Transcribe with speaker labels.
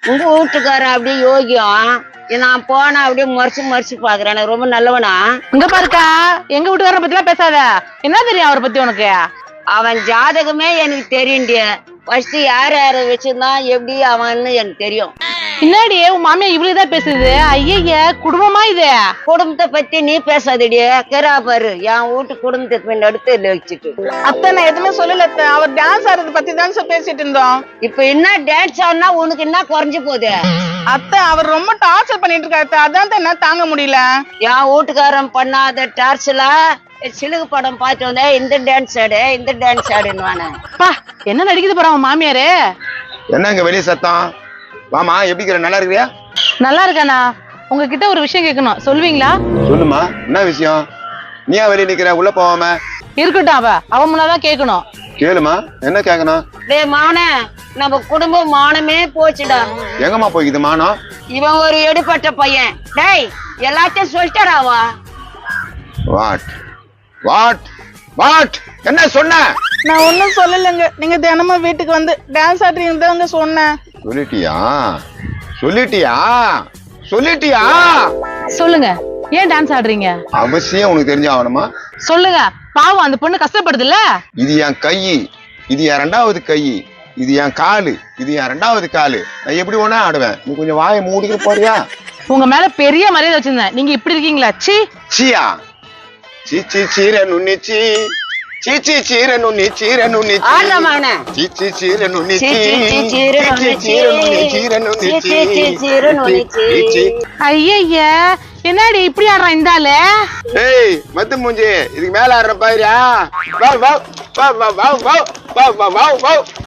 Speaker 1: உங்க வீட்டுக்காரன் அப்படியே யோகியம். நான் போனா அப்படியே மறைச்சு பாக்குறேன். எனக்கு ரொம்ப நல்லவனா.
Speaker 2: இங்க பாருக்கா, எங்க வீட்டுக்காரரை பத்தி எல்லாம் பேசாத. என்ன தெரியும் அவரை பத்தி உனக்கு?
Speaker 1: அவன் ஜாதகமே எனக்கு தெரியுண்டிய. ஃபர்ஸ்ட் யார வச்சிருந்தான் எப்படி அவன்னு எனக்கு தெரியும்.
Speaker 2: பின்னாடி உன் மாமியா இவ்வளவுதான் பேசுது. ஐய, குடும்பமா இது?
Speaker 1: குடும்பத்தை பத்தி நீ பேசாதடிய. கேரா பாரு, என் வீட்டு குடும்பத்தை அடுத்து வச்சுட்டு.
Speaker 2: அத்தை நான் எதுவுமே சொல்லல. அவர் டான்ஸ் ஆடுறத பத்தி தான் பேசிட்டு இருந்தோம்.
Speaker 1: இப்ப என்ன டான்ஸ் ஆடுனா உனக்கு என்ன குறைஞ்சு போகுது?
Speaker 2: அத்தை அவர் ரொம்ப டார்ச்சர் பண்ணிட்டு இருக்காரு. அதான் என்ன தாங்க முடியல.
Speaker 1: என் வீட்டுக்காரன் பண்ணாத டார்ச்சர்ல சிலுகு படம் பார்த்து வந்தேன். இந்த டான்ஸ் ஆடுன்னு
Speaker 2: என்ன நடிக்குது போற அவன் மாமியாரு?
Speaker 3: என்ன இங்க வெளிய சத்தம்? வாமா, எப்படி இருக்கிற? நல்லா இருக்கிறியா?
Speaker 2: நல்லா இருக்கானா? உங்ககிட்ட ஒரு விஷயம் கேட்கணும், சொல்வீங்களா?
Speaker 3: சொல்லுமா, என்ன விஷயம்? நீயா வெளியே நிக்கிற? உள்ள போவாம
Speaker 2: இருக்கட்டும், அவன் முன்னாதான் கேட்கணும்.
Speaker 3: கேளுமா, என்ன கேட்கணும்?
Speaker 1: டேய் மாவனே, நம்ம குடும்பம் மானமே போச்சுடா.
Speaker 3: எங்கம்மா போய்க்குது மானம்?
Speaker 1: இவன் ஒரு எடுபட்ட பையன். டேய் எல்லாத்தையும் சொல்லிட்டாராவா?
Speaker 3: வாட் வாட் வாட் என்ன சொன்ன?
Speaker 2: நான் ஒன்னும் சொல்லலைங்க. நீங்க தினமும் வீட்டுக்கு வந்து டான்ஸ் ஆடுறீங்க சொன்னேன்.
Speaker 3: சொல்லிட்டியா?
Speaker 2: சொல்லுங்க, ஏன் டான்ஸ் ஆடுறீங்க?
Speaker 3: அவசியம் உனக்கு தெரிஞ்ச ஆகணுமா?
Speaker 2: சொல்லுங்க, பாவம் அந்த பொண்ணு கஷ்டப்படுதுல்ல.
Speaker 3: இது என் கை, இது என் ரெண்டாவது கை, இது என் காலு, இது என் ரெண்டாவது காலு. நான் எப்படி ஒண்ணா ஆடுவேன். நீ கொஞ்சம் வாயை மூடிட்டு போறியா?
Speaker 2: உங்க மேல பெரிய மரியாதை வச்சிருந்தேன், நீங்க இப்படி இருக்கீங்களா?
Speaker 3: சியா சீச்சி சீரனுன்னிச்சி சீச்சி சீரனுன்னி சீரனுன்னி
Speaker 1: ஆடுறா மாவனே.
Speaker 3: சீச்சி சீரனுன்னி
Speaker 2: ஐய, என்னடி இப்படி ஆடுறான் இந்த ஆளு?
Speaker 3: ஏய் மத்து மூஞ்சி, இதுக்கு மேல ஆடுற பாருயா. வா வா வா வா வா வா வா வா வா.